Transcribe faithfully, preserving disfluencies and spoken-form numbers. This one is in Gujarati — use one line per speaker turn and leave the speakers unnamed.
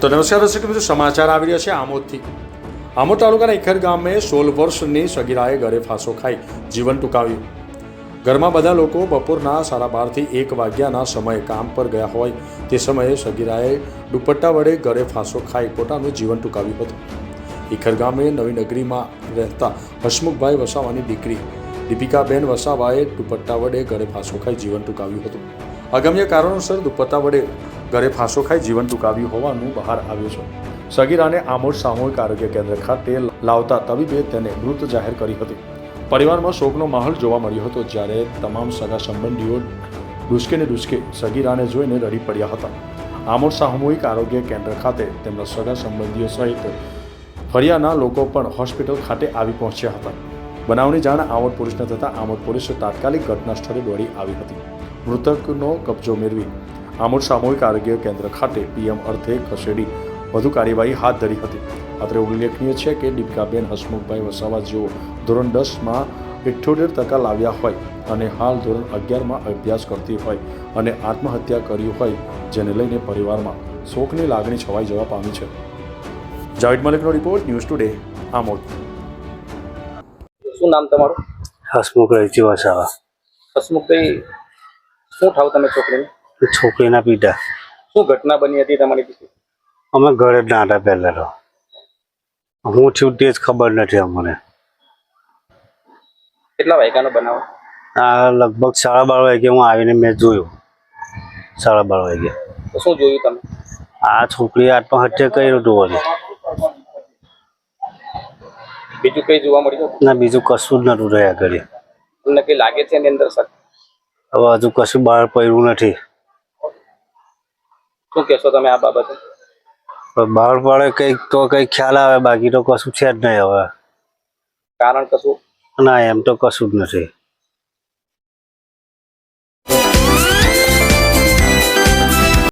તો નમસ્કાર દર્શક મિત્રો, સમાચાર આવી રહ્યા છે આમોદથી। આમોદ તાલુકાના ઇખર ગામે સોળ વર્ષની સગીરાએ ઘરે ફાંસો ખાઈ જીવન ટૂંકાવ્યું। ઘરમાં બધા લોકો બપોરના સાડા બારથી એક વાગ્યાના સમયે કામ પર ગયા હોય તે સમયે સગીરાએ દુપટ્ટા વડે ઘરે ફાંસો ખાઈ પોતાનું જીવન ટૂંકાવ્યું હતું। ઇખર ગામે નવી નગરીમાં રહેતા હસમુખભાઈ વસાવાની દીકરી દીપિકાબેન વસાવાએ દુપટ્ટા વડે ઘરે ફાંસો ખાઈ જીવન ટૂંકાવ્યું હતું। અગમ્ય કારણોસર દુપટ્ટા વડે ઘરે ફાંસો ખાઈ જીવન ટૂંકાવ્યું હોવાનું બહાર આવ્યું છે। સગીરાને આમોદ સામૂહિક આરોગ્ય કેન્દ્ર ખાતે લાવતા તબીબે તેને મૃત જાહેર કરી હતી। પરિવારમાં શોકનો માહોલ જોવા મળ્યો હતો, જ્યારે તમામ સગા સંબંધીઓ ડૂસકે ને ડૂસકે સગીરાને જોઈને રડી પડ્યા હતા। આમોદ સામૂહિક આરોગ્ય કેન્દ્ર ખાતે તેમના સગા સંબંધીઓ સહિત ફળિયાના લોકો પણ હોસ્પિટલ ખાતે આવી પહોંચ્યા હતા। બનાવની જાણ આમોદ પોલીસને થતાં આમોદ પોલીસે તાત્કાલિક ઘટના સ્થળે દોડી આવી હતી। મૃતકનો કબજો મેળવી આમોદ સામૂહિક આરોગ્ય કેન્દ્ર ખાતે પીએમ અર્થે ખસેડી વધુ કાર્યવાહી હાથ ધરી હતી। અત્રે ઉલ્લેખનીય છે કે દીપિકાબેન હસમુખભાઈ વસાવા જેઓ ધોરણ દસમાં ઇઠ્ઠોતેર ટકા લાવ્યા હોય અને હાલ ધોરણ અગિયારમાં અભ્યાસ કરતી હોય અને આત્મહત્યા કરી હોય, જેને લઈને પરિવારમાં શોકની લાગણી છવાઈ જવા પામી છે। જાવેદ મલિકનો રિપોર્ટ, ન્યૂઝ ટુડે, આમોદ।
શું નામ તમારું?
હસમુખભાઈ વસાવા।
હસમુખભાઈ, શું થાવ તમે છોકરીને?
છોકરીના પિતા।
શું ઘટના બની હતી તમારી દીકરી?
અમે ઘરે જ ના હતા પહેલા તો, હું છું તે જ ખબર નથી અમને।
કેટલા વાગ્યાનો બનાવ?
આ લગભગ સાડા બાર વાગે હું આવીને મેં જોયું, સાડા બાર વાગે।
તો શું જોયું તમે?
આ છોકરીએ આત્મહત્યા કર્યું હતું વળી,
બીજું કઈ જોવા મળ્યું?
ના બીજું કશું જ નતું રહ્યા ઘરે।
તમને કઈ લાગે છે એની અંદર સર?
હવે હજુ કશું બહાર પડ્યું નથી।
શું કહેશો તમે આ બાબતે?
બહાર પડે કંઈક તો કંઈક ખ્યાલ આવે, બાકી તો કશું છે જ નહીં હવે।
કારણ કશું?
ના, એમ તો કશું જ નથી।